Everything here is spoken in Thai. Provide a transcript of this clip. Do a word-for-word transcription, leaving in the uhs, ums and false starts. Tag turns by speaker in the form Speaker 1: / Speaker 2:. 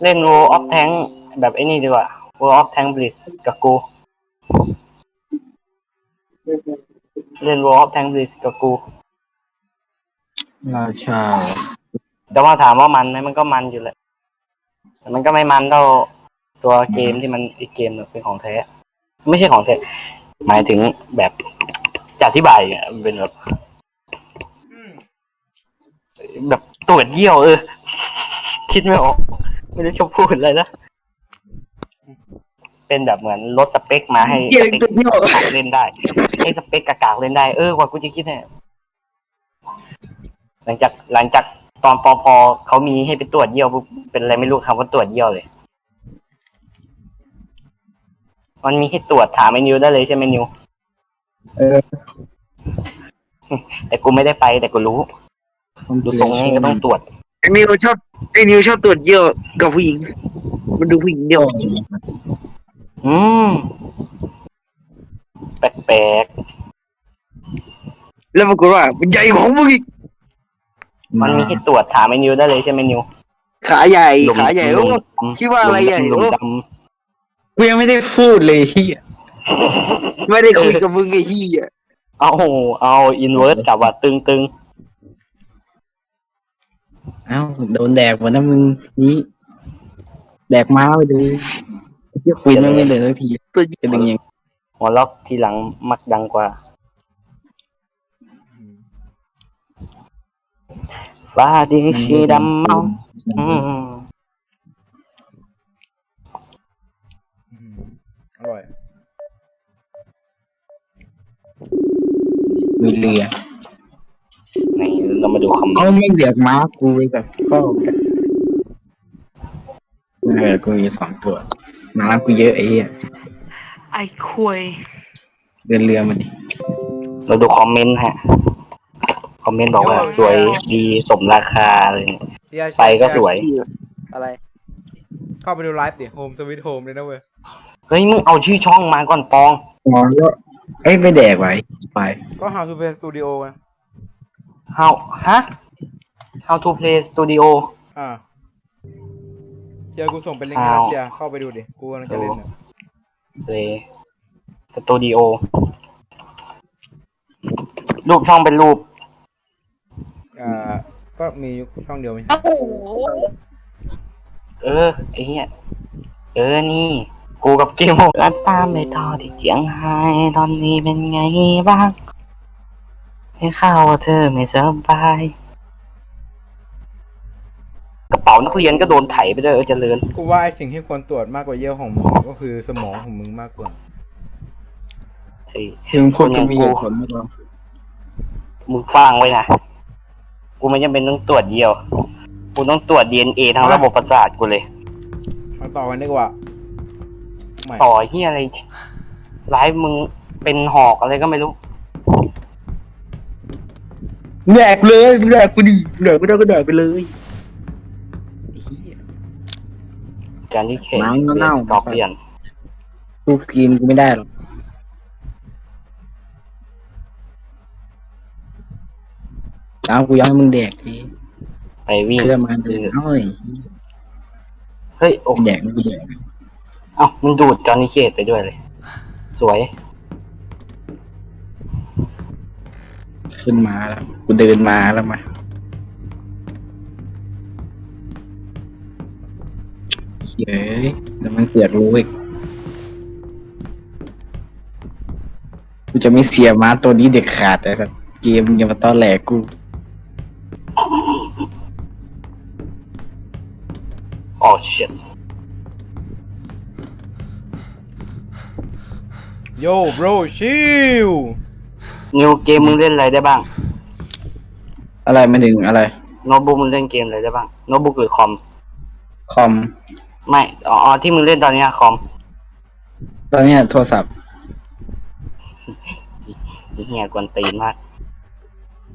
Speaker 1: เล่น World of Tank แบบไอ้นี่ดีกว่า World of Tank Blitz กับกูเล่น World of Tank Blitz กับกู
Speaker 2: ราชา
Speaker 1: แต่ว่าถามว่ามันไหมมันก็มันอยู่แหละแต่มันก็ไม่มันเท่าตัวเกมที่มันอีกเกมเป็นของแท้ไม่ใช่ของแท้หมายถึงแบบจะอธิบายอ่ะเป็นแบบแบบตรวจเยี่ยวเออคิดไม่ออกไม่ได้ชอบพูดอะไรนะเป็นแบบเหมือนลดสเปคมาให้สเปคเล่นได้ให้สเปคกากๆเล่นได้เออกว่ากูจะคิดเนี่ยหลังจากหลังจากตอนปอพอเขามีให้ไปตรวจเยี่ยวเป็นอะไรไม่รู้คำว่าตรวจเยี่ยวเลยมันมีให้ตรวจถามไอ้นิวได้เลยใช่ไหมนิว
Speaker 2: เออ
Speaker 1: แต่กูไม่ได้ไปแต่กูรู้ดูทรงนี้ก็ต้องตรวจ
Speaker 3: ไอ้นิวชอบไอ้นิวชอบตรวจเยี่ยวกับผู้หญิงมันดูผู้หญิงเดียว
Speaker 1: อืมแปลก
Speaker 3: ๆแล้วปรากฏว่ามันใหญ่ของมึงอีก
Speaker 1: มันมีให้ตรวจถามไอ้นิวได้เลยใช่ไหมนิว
Speaker 3: ขาใหญ่ขาใหญ่โอ้คิดว่าอะไรใหญ่โอ้
Speaker 2: กูยังไม่ได้พูดเลยเฮีย
Speaker 3: ไม่ได้คุยกับมึงไอ้เหี้ย
Speaker 1: เอาเอาอินเวิร์สกับว่าตึงตึง
Speaker 2: เอ้าโดนแดกหมดนะมึงนี่แดกม้าไปดูเฮียคุยไม่เลยสักทีจะดึงยัง
Speaker 1: หัวล็อกทีหลังมักดังกว่าฟ้าดีชีดำเมาอืม
Speaker 4: อร่อย
Speaker 2: มีเรือ
Speaker 1: ไหนเรามาดูคอมเมนต์
Speaker 2: เขาไม่เรียกม้ากูไปกับพ่อเออกูมีสองตัวม้ากูเยอะไอ้เหี้ย
Speaker 5: ไอ้คุย
Speaker 2: เดินเรือมาดิ
Speaker 1: เราดูคอมเมนต์ฮะคอมเมนต์บอกว่าสวยดีสมราคาเลยไปก็สวย
Speaker 4: อะไรเข้าไปดูไลฟ์ดิโฮมสวิตโฮมเลยนะเว้ย
Speaker 1: เฮ้ยมึงเอาชื่อช่องมาก่อนปอง
Speaker 2: อ๋อแล้วเอ้ยไม่แดกไว้ไป
Speaker 4: ก็ How to Play Studio นะ
Speaker 1: How ฮะ How to Play Studio
Speaker 4: อ่าเดี๋ยวกูส่งเป็นลิงก์ให้เชียร์เข้าไปดูดิกูกำลังจะเล่นนะ
Speaker 1: Play Studio รูปช่องเป็นรูป
Speaker 4: อ่าก็มีช่องเดียวไหม
Speaker 1: เออไอ้เหี้ยเออนี่กูกับกิมกันตามไปต่อที่เจียงไฮ้ตอนนี้เป็นไงบ้างให้ข่าวว่าเธอไม่สบายกระเป๋านักเรียนก็โดนไถไปด้วยเออเจริญ
Speaker 4: กูว่าไอสิ่งที่ควรตรวจมากกว่าเยี่ยวของมึงก็คือสมองของมึงมากกว่า
Speaker 1: ไอ้
Speaker 2: มึงพูดจะมีเหตุผลไหมครับ
Speaker 1: มึงฟังไว้นะกูไม่จำเป็นต้องตรวจเยี่ยวกูต้องตรวจ ดี เอ็น เอ ทั้งระบบประสาทกูเลย
Speaker 4: มาต่อกันดีกว่า
Speaker 1: ต่อที่อะไรไลฟ์มึงเป็นหอกอะไรก็ไม่รู้
Speaker 2: แดกเลยแดกกูดิแดกกูได้ก็แดกไปเลย
Speaker 1: การที่เข็นสกอร์เปียน
Speaker 2: กูกินกูไม่ได้หรอกเอากูยังให้มึงแดกดิ
Speaker 1: ไปวิ่ง
Speaker 2: เพื่อมาเดินเฮ้ย
Speaker 1: เฮ้ยโอ้
Speaker 2: แดกไม่แดก
Speaker 1: เอ้ามึงดูดจอห์นนี่เคทไปด้วยเลยสวย
Speaker 2: ขึ้นมาแล้วกูเดินมาแล้วมาเฮ้ยแล้วมันเกิดรู้อีกกูจะไม่เสียม้าตัวนี้เด็กขาดแต่สักเกมยังมาต้อนแหลกกู
Speaker 1: โอ้ชิต
Speaker 4: โย่บรชิล
Speaker 1: นิวเกมมึงเล่นอะไรได้บ้าง
Speaker 2: อะไรไม่ถึงอะไร
Speaker 1: โน้ตบุ๊กมึงเล่นเกมอะไรได้บ้างโน้ตบุ๊กหรือคอม
Speaker 2: คอม
Speaker 1: ไม่อ๋อที่มึงเล่นตอนนี้คอม
Speaker 2: ตอนนี้โทรศัพท์
Speaker 1: เหี้ยกวนตีนมาก